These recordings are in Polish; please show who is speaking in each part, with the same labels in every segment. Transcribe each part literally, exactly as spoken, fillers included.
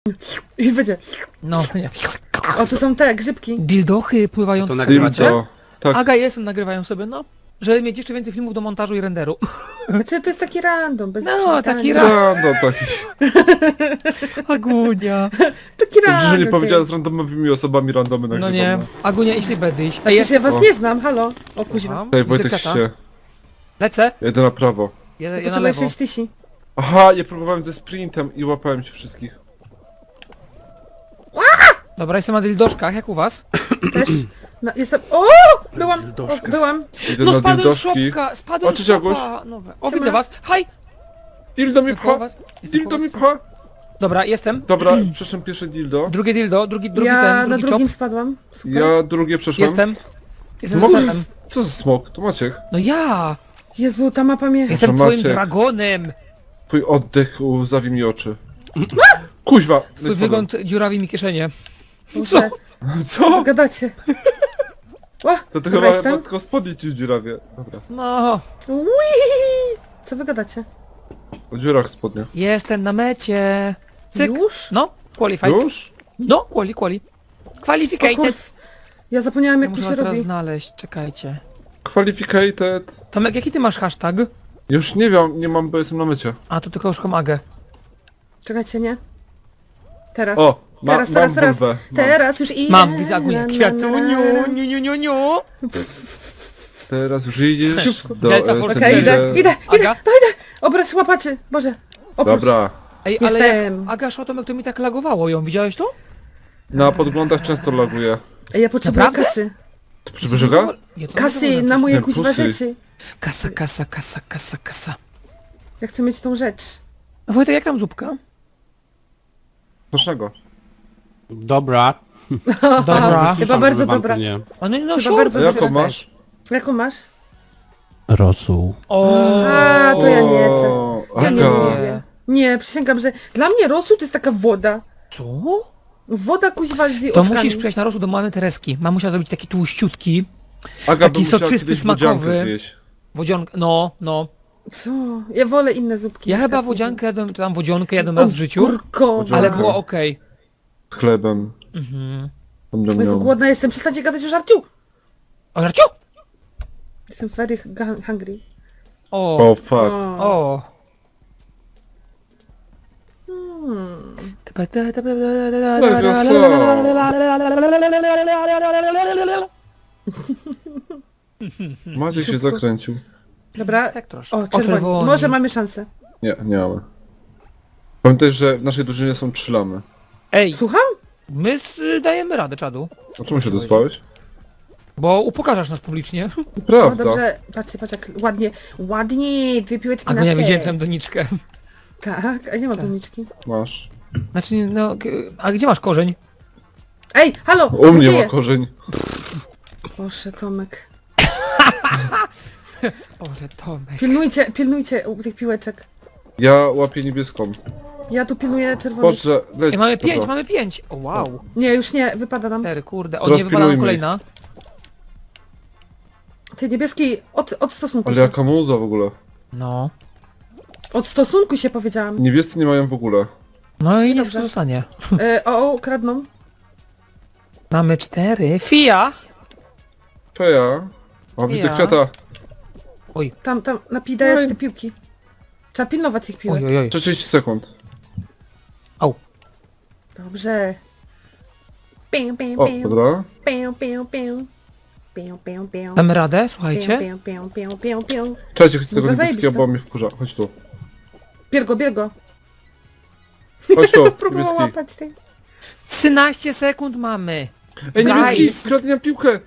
Speaker 1: I będzie.
Speaker 2: No, nie.
Speaker 1: O, tu są te grzybki.
Speaker 2: Dildochy pływające.
Speaker 3: To nagrywacie?
Speaker 4: Dildo. Tak.
Speaker 2: Aga i jestem nagrywają sobie, no. Żeby mieć jeszcze więcej filmów do montażu i renderu.
Speaker 1: Znaczy, to jest taki random, bez
Speaker 2: No,
Speaker 1: przywitania.
Speaker 2: taki ra-
Speaker 4: Random taki.
Speaker 2: Agunia.
Speaker 1: Taki
Speaker 4: Dobrze, że nie
Speaker 1: random.
Speaker 4: powiedziała z randomowymi osobami randomy
Speaker 2: No
Speaker 4: nagrywamy.
Speaker 2: nie, Agunia, jeśli będziesz. Ej,
Speaker 1: Przecież ja was
Speaker 4: O.
Speaker 1: nie znam, halo. O kuźwa.
Speaker 4: Ej,
Speaker 2: Widzę
Speaker 4: Wojtek
Speaker 2: kwiata.
Speaker 4: się.
Speaker 2: Lecę.
Speaker 4: Jedę na prawo.
Speaker 2: Ja, ja na
Speaker 1: Potrzebuję
Speaker 2: lewo.
Speaker 1: sześć tysięcy.
Speaker 4: Aha, ja próbowałem ze sprintem i łapałem się wszystkich.
Speaker 2: Dobra, jestem na dildoszkach, jak u was?
Speaker 1: Też. No, jestem... O! Byłam! O,
Speaker 3: Dildoszka.
Speaker 1: byłam.
Speaker 4: Idę
Speaker 2: No
Speaker 4: na
Speaker 2: spadłem z
Speaker 4: dildoszki.
Speaker 2: szopka, spadłem
Speaker 4: O,
Speaker 2: z
Speaker 4: cześć, Aguś.
Speaker 2: szopa. Nowe. O,
Speaker 1: Siema.
Speaker 2: widzę was. Haj!
Speaker 4: Dildo mi
Speaker 2: Koło
Speaker 4: pcha!
Speaker 2: was. Jestem
Speaker 4: Dildo
Speaker 2: koło
Speaker 4: mi
Speaker 2: was.
Speaker 4: pcha!
Speaker 2: Dobra, jestem.
Speaker 4: Dobra, przeszłem pierwsze dildo.
Speaker 2: Drugie dildo, drugi, drugi
Speaker 1: Ja
Speaker 2: ten,
Speaker 1: na
Speaker 2: drugi
Speaker 1: drugim
Speaker 2: czop.
Speaker 1: spadłam. Super.
Speaker 4: Ja drugie przeszłem.
Speaker 2: Jestem. Jestem
Speaker 4: Smok?
Speaker 2: za setem.
Speaker 4: Co za smok? To Maciek.
Speaker 2: No ja!
Speaker 1: Jezu, ta mapa mnie...
Speaker 2: Jestem
Speaker 4: Proszę,
Speaker 2: twoim
Speaker 4: Maciek.
Speaker 2: dragonem!
Speaker 4: Twój oddech zawi mi oczy. Kuźwa!
Speaker 2: Twój wygląd dziurawi mi kieszenie.
Speaker 1: Muszę...
Speaker 4: Co?
Speaker 1: Gadacie. Ła,
Speaker 4: To ty
Speaker 1: dobra,
Speaker 4: chyba
Speaker 1: jestem.
Speaker 4: tylko spodnie ci dziurawie. Dobra.
Speaker 2: No,
Speaker 1: Ui! Co wy gadacie?
Speaker 4: O dziurach spodnie.
Speaker 2: jestem na mecie. Cyk.
Speaker 1: Już?
Speaker 2: No, qualified.
Speaker 4: Już?
Speaker 2: No, quali, quali.
Speaker 1: O
Speaker 2: Qualificated.
Speaker 1: kurw. Ja zapomniałam
Speaker 2: Ja
Speaker 1: jak to
Speaker 2: muszę
Speaker 1: się
Speaker 2: was teraz
Speaker 1: robi.
Speaker 2: znaleźć, czekajcie.
Speaker 4: Qualificated.
Speaker 2: Tomek, jaki ty masz hashtag?
Speaker 4: Już nie wiem, nie mam, bo jestem na mycie.
Speaker 2: A, to tylko już komagę.
Speaker 1: Czekajcie, nie? Teraz.
Speaker 4: O! Ma,
Speaker 1: teraz,
Speaker 4: mam
Speaker 1: teraz, teraz.
Speaker 4: bulwę. Mam.
Speaker 1: Teraz już idę.
Speaker 2: Mam, widzę Agunię.
Speaker 1: Na, na,
Speaker 2: Kwiatu,
Speaker 1: na, na.
Speaker 2: niu, niu, niu, niu, niu.
Speaker 4: Teraz już idziesz do
Speaker 2: Delta
Speaker 4: S
Speaker 2: Force
Speaker 4: N D.
Speaker 1: Okej, idę, idę, idę.
Speaker 2: Aga?
Speaker 1: Obrać łapaczy. Boże. Oprócz.
Speaker 4: Dobra.
Speaker 2: Ej, ale
Speaker 1: Jestem.
Speaker 2: jak Aga szła, Tomek, to mi tak lagowało ją. Widziałeś to?
Speaker 4: Na podglądach często laguje.
Speaker 1: Ej, ja potrzebuję
Speaker 2: Naprawdę?
Speaker 1: kasy.
Speaker 4: To przybrzyga?
Speaker 2: Nie, to
Speaker 1: Kasy
Speaker 2: nie
Speaker 1: na moje
Speaker 4: Nie,
Speaker 1: kuźwa
Speaker 4: pusy.
Speaker 1: rzeczy.
Speaker 2: Kasa, kasa, kasa, kasa, kasa.
Speaker 1: Ja chcę mieć tą rzecz.
Speaker 2: A Wojtek, jak tam zupka?
Speaker 4: Smacznego.
Speaker 3: Dobra.
Speaker 2: Dobra.
Speaker 1: Chyba bardzo dobra.
Speaker 3: Nie.
Speaker 2: O, no, no,
Speaker 1: Chyba
Speaker 2: siur,
Speaker 1: bardzo
Speaker 4: A
Speaker 1: dobra.
Speaker 4: jaką masz?
Speaker 1: Jaką masz?
Speaker 3: Rosół.
Speaker 2: O,
Speaker 1: A, to ja nie chcę.
Speaker 4: O,
Speaker 1: Ja nie
Speaker 4: Aga.
Speaker 1: lubię. Nie, przysięgam, że dla mnie rosół to jest taka woda.
Speaker 2: co?
Speaker 1: Woda kuźwa z jej
Speaker 2: To
Speaker 1: oczkami.
Speaker 2: musisz przyjść na rosół do mamy Tereski. Mamusia zrobić taki tłuściutki.
Speaker 4: Aga
Speaker 2: Taki
Speaker 4: by musiała
Speaker 2: soczysty,
Speaker 4: kiedyś
Speaker 2: smakowy.
Speaker 4: wodziankę zjeść.
Speaker 2: Wodzionka, no, no.
Speaker 1: Co? Ja wolę inne zupki.
Speaker 2: Ja
Speaker 1: na
Speaker 2: chyba
Speaker 1: przykład.
Speaker 2: wodziankę jadłem, czy tam wodzionkę jadłem raz w życiu.
Speaker 1: Kurko.
Speaker 4: Wodzionkę.
Speaker 2: Ale było okej.
Speaker 4: Z chlebem.
Speaker 2: Mhm.
Speaker 4: Tam dam
Speaker 1: Jezu,
Speaker 4: ją.
Speaker 1: głodna jestem. Przestańcie gadać o żarciu.
Speaker 2: O, Żarciu!
Speaker 1: Jestem very hu- hungry.
Speaker 2: O,
Speaker 4: O fuck.
Speaker 1: O.
Speaker 2: o.
Speaker 1: Hmm.
Speaker 4: Maciek się zakręcił.
Speaker 1: Dobra.
Speaker 2: Tak troszkę.
Speaker 1: O, czerwoni.
Speaker 2: czerwoni.
Speaker 1: Może mamy szansę.
Speaker 4: Nie, nie mamy. Pamiętaj, że w naszej drużynie są trzy lamy.
Speaker 2: Ej,
Speaker 1: Słucham?
Speaker 2: my s- dajemy radę, czadu.
Speaker 4: O czemu się dosłałeś?
Speaker 2: Bo upokarzasz nas publicznie.
Speaker 1: No
Speaker 4: Prawda.
Speaker 1: dobrze. Patrzcie, patrz jak ładnie. Ładnie. Dwie piłeczki
Speaker 2: A
Speaker 1: na
Speaker 2: ja
Speaker 1: ser.
Speaker 2: widziałem tę doniczkę.
Speaker 1: Tak, a nie ma doniczki.
Speaker 4: Masz.
Speaker 2: Znaczy, nie, no, k- a gdzie masz korzeń?
Speaker 1: Ej, halo!
Speaker 4: U mnie
Speaker 1: złodzieje!
Speaker 4: ma korzeń.
Speaker 1: Boże, Tomek.
Speaker 2: Boże, Tomek.
Speaker 1: Pilnujcie, pilnujcie u tych piłeczek.
Speaker 4: Ja łapię niebieską.
Speaker 1: Ja tu pilnuję czerwonych.
Speaker 4: Boże, leć.
Speaker 2: Ej, mamy pięć,
Speaker 4: Dobra.
Speaker 2: mamy pięć. O, wow.
Speaker 1: Nie, już nie, wypada nam.
Speaker 2: Cztery, kurde. O,
Speaker 4: Teraz
Speaker 2: nie wypada nam
Speaker 4: pilnujmy
Speaker 2: kolejna.
Speaker 1: Ty niebieski, od, od stosunku
Speaker 4: Ale
Speaker 1: się.
Speaker 4: jaka muza w ogóle.
Speaker 2: No.
Speaker 1: Od stosunku się powiedziałam.
Speaker 4: Niebiescy nie mają w ogóle.
Speaker 2: No i niech
Speaker 1: Dobrze.
Speaker 2: to zostanie.
Speaker 1: E, o, o, kradną.
Speaker 2: Mamy cztery. Fia!
Speaker 4: Feja. O, widzę
Speaker 2: Ja.
Speaker 4: kwiata.
Speaker 2: Oj,
Speaker 1: Tam, tam, napidajać
Speaker 4: Oj.
Speaker 1: te piłki. Trzeba pilnować tych piłek.
Speaker 2: oj, oj, oj.
Speaker 4: trzydzieści sekund.
Speaker 2: Au.
Speaker 1: Dobrze. Pię, pię,
Speaker 4: O,
Speaker 1: pię,
Speaker 4: dobra.
Speaker 1: pię, pię, pię. Pię, pię, pię.
Speaker 2: Damy radę,
Speaker 1: Pię,
Speaker 2: słuchajcie.
Speaker 1: pię, pię, pię, pię, pię.
Speaker 4: Cześć, chcę tego
Speaker 1: Za
Speaker 4: niebieskiego,
Speaker 1: zajebiste.
Speaker 4: bo mnie wkurza. Chodź tu.
Speaker 1: Biergo, biergo.
Speaker 4: Chodź tu,
Speaker 1: Próbował
Speaker 4: niebieski.
Speaker 1: łapać tej.
Speaker 2: trzynaście sekund mamy.
Speaker 4: Ej, niebieski,
Speaker 2: Guys.
Speaker 4: kradnie nam piłkę.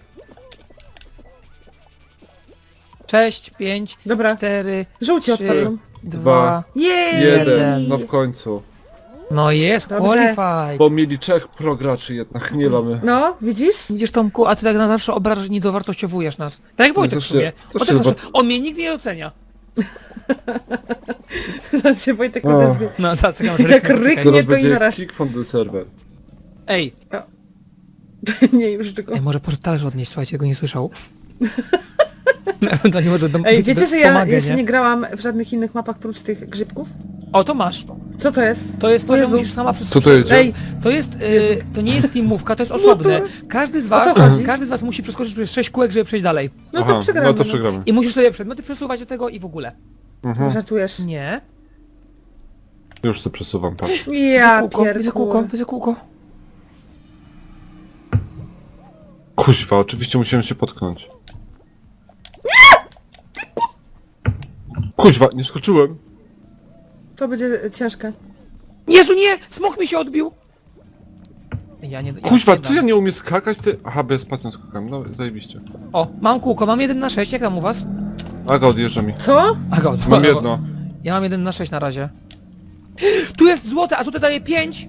Speaker 2: Sześć, pięć,
Speaker 1: Dobra,
Speaker 2: cztery,
Speaker 1: żółci
Speaker 2: trzy,
Speaker 1: odpadną.
Speaker 2: dwa.
Speaker 1: Jej!
Speaker 4: Jeden. No w końcu.
Speaker 2: No jest,
Speaker 1: Dobrze.
Speaker 2: qualified.
Speaker 4: Bo mieli trzech prograczy jednak, nie lamy.
Speaker 1: No, widzisz?
Speaker 2: Widzisz, Tomku, a ty tak na zawsze obrażasz, nie dowartościowujesz nas. Tak jak Wojtek w
Speaker 4: Zawsze-
Speaker 2: sumie.
Speaker 4: zawsze
Speaker 2: On, też zawsze,
Speaker 4: zobac-
Speaker 2: on mnie nigdy nie ocenia.
Speaker 1: Zaraz się Wojtek
Speaker 4: O.
Speaker 1: odezwie.
Speaker 2: No, zaraz czekam, że
Speaker 1: Jak
Speaker 2: ryknie.
Speaker 1: ryknie.
Speaker 4: Zaraz
Speaker 1: to i
Speaker 4: będzie
Speaker 1: naraz.
Speaker 4: kick from the server.
Speaker 2: Ej,
Speaker 1: Nie, już tylko.
Speaker 2: ej, może proszę talerz odnieść, słuchajcie, go nie słyszał. Ewentualnie może dom,
Speaker 1: Ej, wiecie, że ja
Speaker 2: pomagę,
Speaker 1: jeszcze
Speaker 2: nie?
Speaker 1: nie grałam w żadnych innych mapach prócz tych grzybków?
Speaker 2: O, to masz.
Speaker 1: Co to jest?
Speaker 2: To jest to,
Speaker 1: O
Speaker 2: że
Speaker 1: Jezu.
Speaker 2: musisz sama przez...
Speaker 4: Co to jedzie?
Speaker 1: Ej,
Speaker 2: To jest, e,
Speaker 1: Jezu.
Speaker 2: to nie jest teamówka, to jest osobne.
Speaker 1: to-
Speaker 2: Każdy z
Speaker 1: O co
Speaker 2: was,
Speaker 1: chodzi?
Speaker 2: każdy z was musi przeskoczyć przez sześć kółek, żeby przejść dalej.
Speaker 1: no
Speaker 4: Aha,
Speaker 1: to przegramy.
Speaker 4: no to przegramy.
Speaker 2: I musisz sobie przedmioty przesuwać do tego i w ogóle.
Speaker 4: Mhm.
Speaker 1: Żartujesz.
Speaker 2: Nie.
Speaker 4: Już sobie przesuwam, patrz.
Speaker 1: Ja
Speaker 2: kółko, widzę kółko,
Speaker 1: pierdolę.
Speaker 2: widzę kółko.
Speaker 4: Kuźwa, oczywiście musiałem się potknąć. Kuźwa, nie skoczyłem.
Speaker 1: To będzie ciężkie.
Speaker 2: Jezu, nie! Smok mi się odbił! Ja nie...
Speaker 4: Kuźwa,
Speaker 2: nie
Speaker 4: co ja
Speaker 2: dam.
Speaker 4: nie umiem skakać, ty... Aha, bez spacją skakam, no zajebiście.
Speaker 2: O, mam kółko, mam jeden na sześć, jak tam u was?
Speaker 4: Aga odjeżdża mi.
Speaker 1: Co?
Speaker 2: Aga, od-
Speaker 4: Mam jedno.
Speaker 2: Ja mam jeden na sześć na razie. Tu jest złote, a złote daje pięć!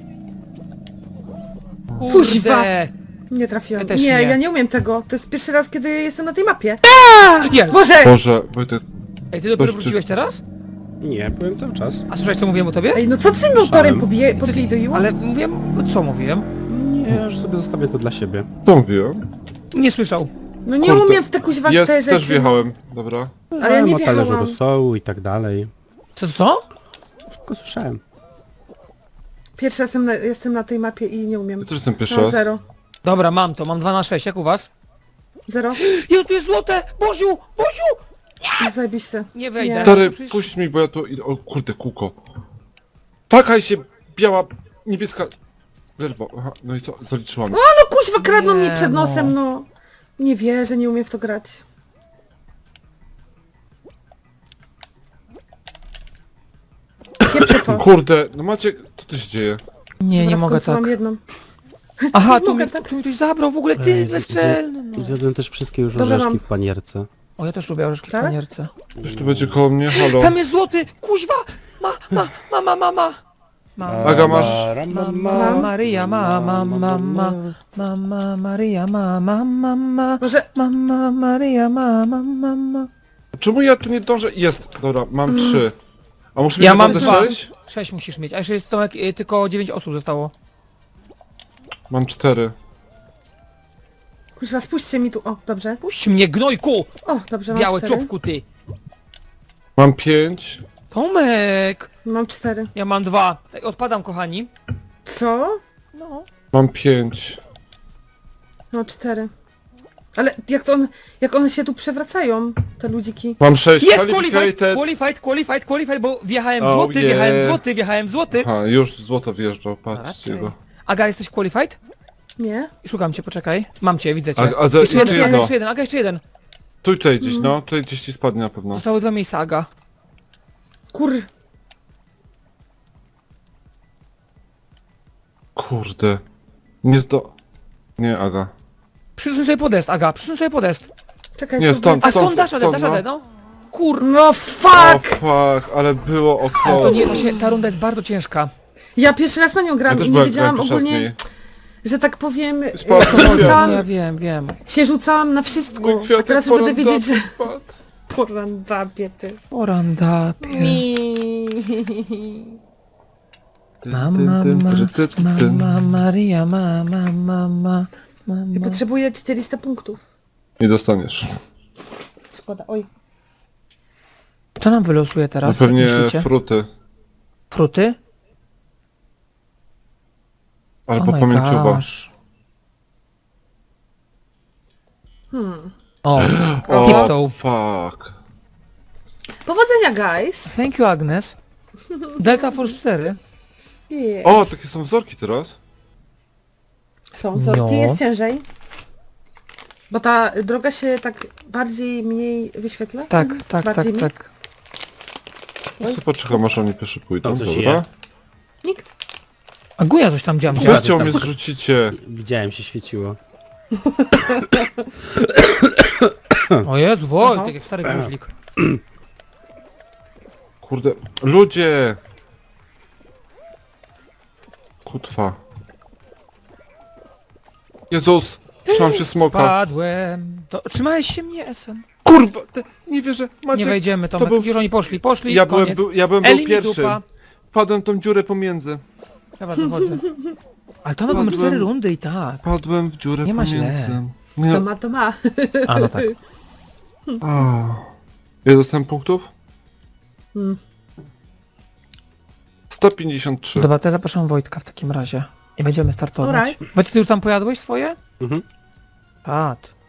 Speaker 1: Kuźwa.
Speaker 2: Kurde.
Speaker 1: Nie trafiłam.
Speaker 2: Ja też
Speaker 1: nie,
Speaker 2: nie.
Speaker 1: ja nie umiem tego. To jest pierwszy raz, kiedy jestem na tej mapie.
Speaker 2: Jest!
Speaker 1: Boże!
Speaker 4: Boże, Wojtek,
Speaker 2: Ej, ty dopiero
Speaker 4: Ktoś ty-
Speaker 2: wróciłeś teraz?
Speaker 3: Nie, byłem cały czas.
Speaker 2: A słyszałeś co mówiłem o tobie?
Speaker 1: Ej, no co ty z tym motorem pobije- podwiduił?
Speaker 2: Ale mówiłem... Co mówiłem?
Speaker 3: Nie, już sobie zostawię to dla siebie.
Speaker 4: co mówiłem?
Speaker 2: Nie słyszał.
Speaker 1: No nie
Speaker 4: Kurde.
Speaker 1: umiem w te kuźwa
Speaker 4: Jest,
Speaker 1: te rzeczy.
Speaker 4: też wjechałem, dobra.
Speaker 1: Ale ja nie
Speaker 3: o talerzu
Speaker 1: wjechałam.
Speaker 3: rosołu i tak dalej.
Speaker 2: Co, co?
Speaker 3: Wszystko słyszałem.
Speaker 1: Pierwszy raz jestem na, jestem na tej mapie i nie umiem.
Speaker 4: Ja też jestem pierwszy
Speaker 1: Mam
Speaker 4: raz.
Speaker 1: zero.
Speaker 2: Dobra, mam to, mam dwa na sześć, jak u was?
Speaker 1: Zero?
Speaker 2: Jezu, tu jest złote! Boziu! Boziu!
Speaker 1: Zajebiście.
Speaker 2: Nie wejdę.
Speaker 1: Nie.
Speaker 4: Stary,
Speaker 2: Przecież-
Speaker 4: puść mi, bo ja to idę... O kurde, kółko. Fakaj się, biała, niebieska... Lerwo, aha, no i co? Zaliczyłam.
Speaker 1: No kuźwa, kradną mi
Speaker 2: Nie,
Speaker 1: przed
Speaker 2: no.
Speaker 1: nosem, no. Nie wierzę, nie umiem w to grać. Pieprzę to.
Speaker 4: Kurde, no macie... Co tu się dzieje?
Speaker 2: Nie, nie
Speaker 1: Dobra, w
Speaker 2: mogę
Speaker 1: końcu
Speaker 2: tak.
Speaker 1: mam jedną.
Speaker 2: Aha,
Speaker 1: Nie
Speaker 2: tu
Speaker 1: mogę
Speaker 2: mi,
Speaker 1: tak.
Speaker 2: tu mi ktoś zabrał w ogóle,
Speaker 3: Ej,
Speaker 2: ty
Speaker 3: z-
Speaker 2: bezczelny, no.
Speaker 3: Zjadłem też wszystkie już
Speaker 1: Dobra,
Speaker 3: orzeszki
Speaker 1: mam.
Speaker 3: w panierce.
Speaker 2: O, ja też lubię orzeszki w
Speaker 1: Tak?
Speaker 2: panierce.
Speaker 4: Ktoś tu będzie koło mnie? Halo?
Speaker 2: Tam jest złoty! Kuźwa! Ma, ma, mama, mama! Mama,
Speaker 4: Aga, masz...
Speaker 2: mama, Maryja, mama, mama, mama, Maryja, mama, mama,
Speaker 1: Może...
Speaker 2: mama, Maryja, mama, mama.
Speaker 4: Czemu ja tu nie dążę? Jest, dobra, mam trzy. A muszę mieć
Speaker 2: Ja mam
Speaker 4: naprawdę
Speaker 2: dwa.
Speaker 4: sześć?
Speaker 2: Sześć musisz mieć, a jeszcze jest Tomek, y, tylko dziewięć osób zostało.
Speaker 4: Mam cztery.
Speaker 1: Kuźwa, spuśćcie mi tu. O, dobrze.
Speaker 2: Puść mnie, gnojku!
Speaker 1: O, dobrze, mam
Speaker 2: Białe
Speaker 1: cztery.
Speaker 2: czopku, ty!
Speaker 4: Mam pięć.
Speaker 2: Tomek!
Speaker 1: Mam cztery.
Speaker 2: Ja mam dwa. Ej, odpadam, kochani.
Speaker 1: Co?
Speaker 2: No.
Speaker 4: Mam pięć.
Speaker 1: No cztery. Ale jak to on... Jak one się tu przewracają, te ludziki.
Speaker 4: Mam sześć.
Speaker 2: Jest qualified,
Speaker 4: Qualified.
Speaker 2: qualified, qualified, qualified, bo wjechałem w
Speaker 4: Oh,
Speaker 2: złoty,
Speaker 4: yeah.
Speaker 2: wjechałem w złoty, wjechałem w złoty.
Speaker 4: Aha, już złoto wjeżdżał, patrzcie
Speaker 2: Raczej.
Speaker 4: go.
Speaker 2: Aga, jesteś qualified?
Speaker 1: Nie?
Speaker 2: Szukam cię, poczekaj. Mam cię, widzę cię.
Speaker 4: A, a za,
Speaker 2: jeszcze,
Speaker 4: jeszcze
Speaker 2: jeden, Aga,
Speaker 4: jedno.
Speaker 2: jeszcze jeden, Aga, jeszcze jeden.
Speaker 4: Tu tutaj gdzieś, no. Tutaj gdzieś ci spadnie na pewno.
Speaker 2: Zostały dwa miejsca, Aga.
Speaker 1: Kur...
Speaker 4: Kurde. Nie zdo... Nie, Aga.
Speaker 2: Przysuń sobie podest, Aga, przysuń sobie podest.
Speaker 1: Czekaj,
Speaker 4: Nie,
Speaker 1: spróbuję-
Speaker 4: stąd.
Speaker 2: A skąd dasz radę,
Speaker 4: stąd,
Speaker 2: dasz
Speaker 4: no.
Speaker 2: radę, no? Kur...
Speaker 1: No
Speaker 4: O
Speaker 1: fuck!
Speaker 4: fuck, ale było o
Speaker 2: To
Speaker 4: to.
Speaker 2: nie, to się, ta runda jest bardzo ciężka.
Speaker 1: Ja pierwszy raz na nią
Speaker 4: Ja
Speaker 1: gram
Speaker 4: też
Speaker 1: i nie
Speaker 4: byłem,
Speaker 1: wiedziałam
Speaker 4: byłem pierwszy raz z
Speaker 1: ogólnie,
Speaker 4: niej.
Speaker 1: że tak powiem,
Speaker 4: Spadł
Speaker 1: się
Speaker 4: kwiat.
Speaker 2: No,
Speaker 1: rzucałam,
Speaker 2: ja wiem, wiem.
Speaker 1: się rzucałam na wszystko,
Speaker 4: Mój
Speaker 1: a
Speaker 4: kwiatek
Speaker 1: teraz już będę
Speaker 4: porandapie
Speaker 1: wiedzieć, że...
Speaker 4: spadł.
Speaker 1: Porandapie ty.
Speaker 2: Orandapie.
Speaker 1: Mi.
Speaker 2: Mama,
Speaker 4: Tym, tym,
Speaker 2: mama,
Speaker 4: tym, tym, tym.
Speaker 2: mama, Maria, mama, mama,
Speaker 1: Ja
Speaker 2: mama.
Speaker 1: potrzebuję czterysta punktów.
Speaker 4: Nie dostaniesz.
Speaker 1: Szkoda, oj.
Speaker 2: Co nam wylosuje
Speaker 4: Na
Speaker 2: teraz, jak
Speaker 4: pewnie
Speaker 2: myślicie?
Speaker 4: fruty.
Speaker 2: Fruty?
Speaker 4: Albo
Speaker 2: Oh my
Speaker 4: pamięciowa.
Speaker 2: gosh.
Speaker 1: Hmm.
Speaker 2: O,
Speaker 4: O
Speaker 2: Tiptoe.
Speaker 4: fuck.
Speaker 1: Powodzenia, guys.
Speaker 2: Thank you, Agnes. Delta Force cztery.
Speaker 1: Yeah.
Speaker 4: O, takie są wzorki teraz.
Speaker 1: Są wzorki,
Speaker 2: No.
Speaker 1: jest ciężej. Bo ta droga się tak bardziej, mniej wyświetla?
Speaker 2: Tak, tak, tak,
Speaker 1: Bardziej mi?
Speaker 2: tak.
Speaker 4: Ja sobie poczekam, aż oni pierwszy pójdą,
Speaker 3: To coś
Speaker 4: dobra?
Speaker 3: je.
Speaker 1: Nikt.
Speaker 2: A Guja coś tam dziam.
Speaker 3: Dobra.
Speaker 4: Weźcie mnie zrzucicie.
Speaker 3: Widziałem, się świeciło.
Speaker 2: O Jezu,
Speaker 1: Aha.
Speaker 2: Wojtek, jak stary guźlik.
Speaker 4: Kurde, ludzie! Kutwa. Jezus! Trzymam się smoka.
Speaker 2: Spadłem. To, trzymałeś się mnie, S N.
Speaker 4: Kurwa! Te, nie wierzę,
Speaker 2: Nie
Speaker 4: Maciek!
Speaker 2: wejdziemy, Tomek.
Speaker 4: był-
Speaker 2: Już oni poszli, poszli,
Speaker 4: Ja byłem,
Speaker 2: koniec.
Speaker 4: był, ja byłem był
Speaker 2: Eli mi
Speaker 4: pierwszy.
Speaker 2: dupa.
Speaker 4: Wpadłem tą dziurę pomiędzy.
Speaker 2: Dobra, dochodzę. Ale Tomek, mamy
Speaker 4: Padłem.
Speaker 2: cztery rundy i tak.
Speaker 4: Wpadłem w dziurę
Speaker 2: Nie ma źle.
Speaker 4: pomiędzy.
Speaker 1: To
Speaker 4: Nie.
Speaker 1: ma, to ma.
Speaker 2: A, no tak.
Speaker 4: A. Ile dostałem punktów?
Speaker 1: Hmm.
Speaker 4: sto pięćdziesiąt trzy.
Speaker 2: Dobra, to ja zapraszam Wojtka w takim razie. I będziemy startować.
Speaker 1: Alright.
Speaker 2: Wojtek, ty już tam pojadłeś swoje?
Speaker 3: Mhm.
Speaker 2: Pat.